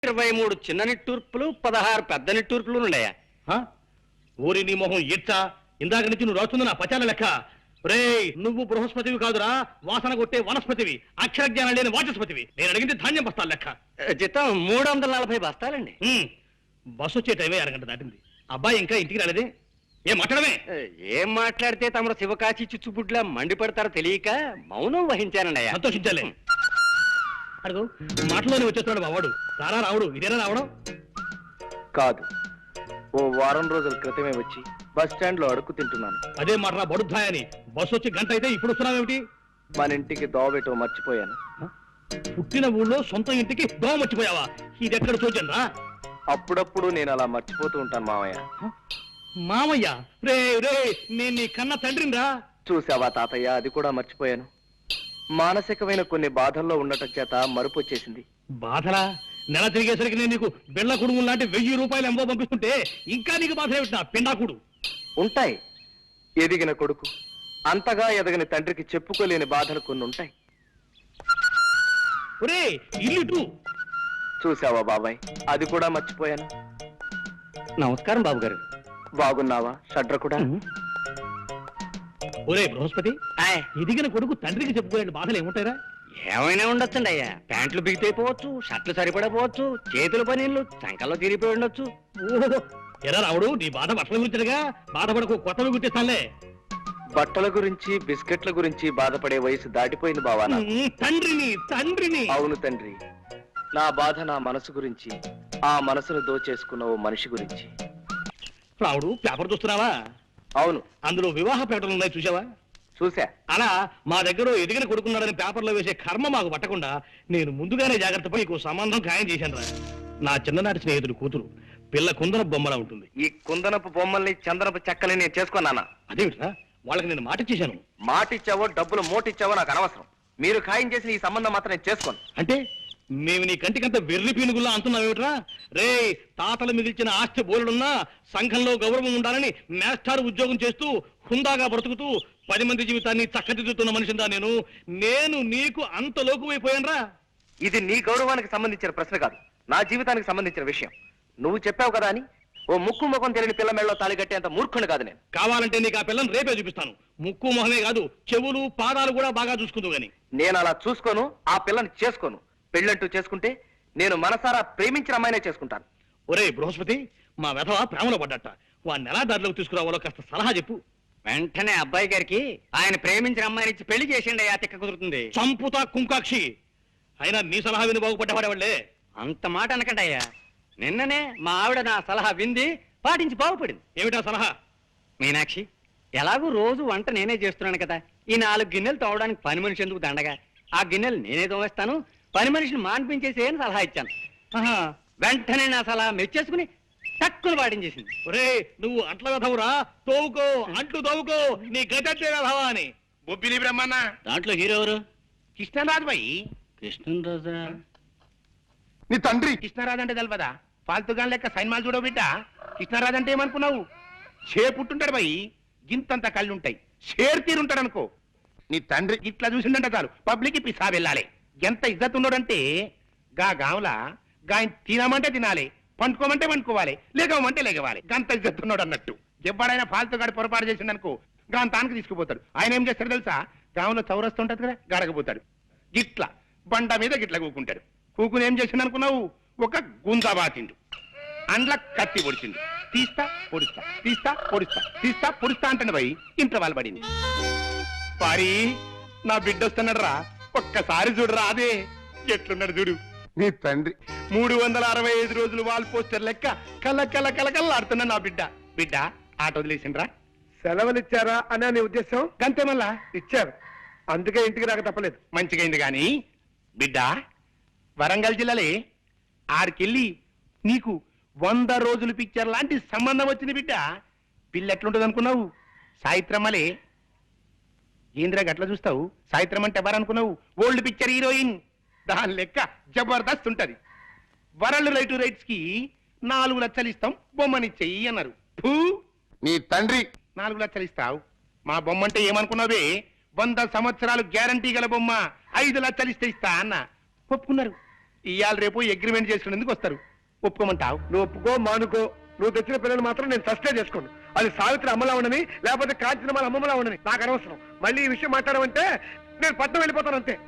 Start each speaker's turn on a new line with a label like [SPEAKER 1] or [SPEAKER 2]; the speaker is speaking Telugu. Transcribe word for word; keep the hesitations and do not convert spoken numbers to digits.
[SPEAKER 1] ఇరవై మూడు చిన్న నిట్టూర్పులు పదహారు పెద్ద నిట్టూర్పులు ఉన్నాయా?
[SPEAKER 2] ఊరి నీ మొహం ఇచ్చా ఇందాక నుంచి నువ్వు రాస్తుంది నా పచాల లెక్క. రే నువ్వు బృహస్పతివి కాదురా, వాసన కొట్టే వనస్పతివి, అక్షర జ్ఞానం లేని వాచస్పతివి. నేను అడిగింది ధాన్యం బస్తాల లెక్క.
[SPEAKER 1] జీతం మూడు వందల నలభై బస్తాలండి.
[SPEAKER 2] బస్సు వచ్చే టైమే అరగంట దాటింది. అబ్బాయి ఇంకా ఇంటికి రాలేదే? ఏం మాట్లాడమే?
[SPEAKER 1] ఏం మాట్లాడితే తమరు శివకాశి చిచ్చుపుట్లా మండిపడతారో తెలియక మౌనం వహించానండి.
[SPEAKER 2] సంతోషించాలే. అడుగు మాటలోనే వచ్చేస్తున్నాడు బావాడు. రారా రావుడు, ఇదేనా రావడం?
[SPEAKER 3] కాదు, ఓ వారం రోజుల క్రితమే వచ్చి బస్ స్టాండ్ లో అడుక్కు తింటున్నాను.
[SPEAKER 2] అదే మాట బడుద్దాయని. బస్సు వచ్చి గంట అయితే ఇప్పుడు వస్తున్నావేమిటి?
[SPEAKER 3] మన ఇంటికి దోవబెట్టో మర్చిపోయాను.
[SPEAKER 2] పుట్టిన ఊళ్ళో సొంత ఇంటికి దోవ మర్చిపోయావా? ఇది ఎక్కడ చూచండి రా.
[SPEAKER 3] అప్పుడప్పుడు నేను అలా మర్చిపోతూ ఉంటాను మామయ్య.
[SPEAKER 2] మామయ్య రే రే నేను నీ కన్న తండ్రిని రా.
[SPEAKER 3] చూసావా తాతయ్య, అది కూడా మర్చిపోయాను. మానసికమైన కొన్ని బాధల్లో ఉండటం చేత మరుపు వచ్చేసింది.
[SPEAKER 2] బాధలా? నెల తిరిగేసరికి నేను నీకు బిళ్ళ కుడుము లాంటి వెయ్యి రూపాయలు ఎంబో పంపిస్తుంటే ఇంకా నీకు బాధ ఏమిటా పిండాకుడు?
[SPEAKER 3] ఉంటాయి. ఎదిగిన కొడుకు అంతగా ఎదగని తండ్రికి చెప్పుకోలేని బాధలు కొన్ని ఉంటాయి.
[SPEAKER 2] ఒరే ఇల్లు
[SPEAKER 3] చూసావా బాబాయ్, అది కూడా మర్చిపోయాను.
[SPEAKER 1] నమస్కారం బాబు గారు.
[SPEAKER 3] బాగున్నావా షడ్ర కూడా?
[SPEAKER 2] ఒరే బృహస్పతి, ఎదిగిన కొడుకు తండ్రికి చెప్పుకోలేని బాధలు ఏముంటాయిరా?
[SPEAKER 1] ఏమైనా ఉండొచ్చండి అయ్యా. ప్యాంట్లు బిగితైపోవచ్చు, షర్ట్లు సరిపడపోవచ్చు, చేతుల పనీళ్ళు సంకల్లో తిరిగిపోయి ఉండొచ్చు.
[SPEAKER 2] ఓహో ఎరా రావుడు, నీ బాధ బట్టల గురించిగా. బాధపడకు, కొత్తవి గుర్తిస్తానులే.
[SPEAKER 3] బట్టల గురించి బిస్కెట్ల గురించి బాధపడే వయసు దాటిపోయింది బావా.
[SPEAKER 2] తండ్రిని తండ్రిని
[SPEAKER 3] అవును తండ్రి. నా బాధ నా మనసు గురించి, ఆ మనసును దోచేసుకున్న ఓ మనిషి గురించి.
[SPEAKER 2] రావుడు పేపర్ చూస్తున్నావా?
[SPEAKER 3] అవును.
[SPEAKER 2] అందులో వివాహ ప్రకటనలు ఉన్నాయి, చూసావా?
[SPEAKER 3] చూసా.
[SPEAKER 2] అలా మా దగ్గర ఎదిగిన కొడుకున్నాడని పేపర్లో వేసే కర్మ మాకు పట్టకుండా నేను ముందుగానే జాగ్రత్త పడి నీకు సంబంధం ఖాయం చేశాను రా. నా చిన్ననాటి స్నేహితుడు కూతురు, పిల్ల కుందన బొమ్మలా ఉంటుంది.
[SPEAKER 3] ఈ కుందనపు బొమ్మల్ని చందనపు చెక్కల్ని నేను చేసుకున్నానా?
[SPEAKER 2] అదేమిట్రా, వాళ్ళకి నేను మాట ఇచ్చేశాను.
[SPEAKER 3] మాటిచ్చావో డబ్బులు మోటిచ్చావో నాకు అనవసరం. మీరు ఖాయం చేసిన ఈ సంబంధం మాత్రం నేను చేసుకోను.
[SPEAKER 2] అంటే మేము నీ కంటికంత వెర్రి పీనుగుల్లా అంటున్నావేమిట్రా? రే తాతలు మిగిల్చిన ఆస్తి బోలుడున్నా సంఘంలో గౌరవం ఉండాలని మేస్టార్ ఉద్యోగం చేస్తూ హుందాగా బ్రతుకుతూ పది మంది జీవితాన్ని చక్కదిద్దుతున్న మనిషిందా నేను. నేను నీకు అంత లోకువైపోయానరా?
[SPEAKER 3] ఇది నీ గౌరవానికి సంబంధించిన ప్రశ్న కాదు, నా జీవితానికి సంబంధించిన విషయం. నువ్వు చెప్పావు కదా అని ఓ ముక్కు ముఖం తెలియని పిల్ల మెళ్ళలో తాళి కట్టేంత మూర్ఖుని కాదు నేను.
[SPEAKER 2] కావాలంటే నీకు ఆ పిల్లని రేపే చూపిస్తాను. ముక్కు మొహమే కాదు, చెవులు పాదాలు కూడా బాగా చూసుకుందు గాని.
[SPEAKER 3] నేను అలా చూసుకోను, ఆ పిల్లని చేసుకోను. పెళ్ళంటూ చేసుకుంటే నేను మనసారా ప్రేమించిన అమ్మాయినే చేసుకుంటాను.
[SPEAKER 2] ఒరే బృహస్పతి, మా వెధవ ప్రేమలో పడ్డట. వాడిని ఎలా దారిలోకి తీసుకురావాలో కాస్త సలహా చెప్పు.
[SPEAKER 1] వెంటనే అబ్బాయి గారికి ఆయన ప్రేమించిన అమ్మాయిని ఇచ్చి పెళ్లి చేసిండి అయ్యా. తిక్క కుదురుతుంది.
[SPEAKER 2] చంపుతా కుంకాక్షి. అయినా నీ సలహా విని బాగుపడ్డవాడే.
[SPEAKER 1] అంత మాట అనకండి అయ్యా. నిన్ననే మా ఆవిడ నా సలహా వింది, పాటించి బాగుపడింది.
[SPEAKER 2] ఏమిటా సలహా?
[SPEAKER 1] మీనాక్షి, ఎలాగూ రోజు వంట నేనే చేస్తున్నాను కదా, ఈ నాలుగు గిన్నెలు తోవడానికి పని మనిషి ఎందుకు దండగా, ఆ గిన్నెలు నేనే తోవేస్తాను, పని మనిషిని మాన్పించేసి అని సలహా ఇచ్చాను. వెంటనే నా సలహా మెచ్చేసుకుని టక్కులు పాటించేసింది.
[SPEAKER 2] ఒరే నువ్వు అంట్ల వెధవురా, తోవుకో, అంట్లు తోవుకో, నీ గతంటే వెధవా అని.
[SPEAKER 4] బొబ్బిలి బ్రహ్మన్న
[SPEAKER 2] దాంట్లో హీరో ఎవరు?
[SPEAKER 4] కృష్ణరాజు బాయి.
[SPEAKER 2] కృష్ణరాజా?
[SPEAKER 4] నీ తండ్రి కృష్ణరాజు అంటే తెలపదా? ఫాల్తుగా లెక్క సైన్మాలు చూడవు బిడ్డ. కృష్ణరాజు అంటే ఏమనుకున్నావు? షే పుట్టుంటాడు బాయి, గింతంత కళ్ళు ఉంటాయి, షేర్ తీరుంటాడు అనుకో. నీ తండ్రి ఇట్లా చూసిందంటే చాలు పబ్లిక్ పిసా వెళ్ళాలి. ఎంత ఇజ్జత్ ఉన్నాడంటే గా గాంలా గా తినమంటే తినాలి, పండుకోమంటే పండుకోవాలి, లేగమంటే లేగవాలి. గంత ఇజ్జత్ ఉన్నాడు అన్నట్టు. ఎవడైనా ఫాల్తుగాడి పొరపాటు చేసిండు అనుకో, గాని తానికి తీసుకుపోతాడు. ఆయన ఏం చేస్తాడు తెలుసా? గాంలో చౌరస్తూ ఉంటది కదా, గడకపోతాడు. గిట్ల బండ మీద గిట్ల కూకుంటాడు. కూకుని ఏం చేసిండు అనుకున్నావు? ఒక గుంజా బాతిండు, అండ్ల కత్తి పొడిచిండు. తీస్తా పొడుస్తా, తీస్తా పొడుస్తా, తీస్తా పొడుస్తా అంటాడు పోయి ఇంట్లో వాళ్ళు పడింది. పారి నా బిడ్డ వస్తున్నాడు రా, ఒక్కసారి చూడరా. అదే ఎట్లున్నాడు చూడు నీ తండ్రి. మూడు వందల అరవై ఐదు రోజులు వాల్ పోస్టర్ లెక్క కల కల కల కల ఆడుతున్నా నా బిడ్డ. బిడ్డ ఆట వదిలేసిండ్రా?
[SPEAKER 5] సెలవులు ఇచ్చారా అనే నీ ఉద్దేశం?
[SPEAKER 4] గంతే మళ్ళా
[SPEAKER 5] ఇచ్చారు, అందుకే ఇంటికి రాక తప్పలేదు.
[SPEAKER 4] మంచిగైంది గాని బిడ్డ, వరంగల్ జిల్లాలే ఆడికెళ్ళి నీకు వంద రోజులు పిక్చర్ లాంటి సంబంధం వచ్చింది బిడ్డ. పిల్ల ఎట్లుంటుంది అనుకున్నావు? సాయిత్రమ్మలే. ఏంద్రా గట్లా చూస్తావు? సాయిత్రం అంటే ఎవరనుకున్నావు? Old picture heroine. దాని లెక్క జబర్దస్త్ ఉంటది. వరల్డ్ రైట్ రైట్స్ కి నాలుగు లక్షలు ఇస్తాం, బొమ్మని చెయ్యి అన్నారు. ఫూ, నీ తండ్రి నాలుగు లక్షలు ఇస్తావు. మా బొమ్మ అంటే ఏమనుకున్నావే? వంద సంవత్సరాలు గ్యారంటీ గల బొమ్మ, ఐదు లక్షలు ఇస్తే ఇస్తా అన్న. ఒప్పుకున్నారు. ఇవాళ రేపు అగ్రిమెంట్ చేసుకునేందుకు వస్తారు ఒప్పుకోమంటావు?
[SPEAKER 5] నువ్వు ఒప్పుకో మానుకో, నువ్వు తెచ్చిన పిల్లలు మాత్రం నేను సస్టే చేసుకోను. అది సావిత్రి అమ్మలా ఉండని లేకపోతే కాంచిన వాళ్ళ అమ్మమ్మలా ఉండని నాకు అనవసరం. మళ్ళీ ఈ విషయం మాట్లాడమంటే నేను పట్నం వెళ్ళిపోతాను అంతే.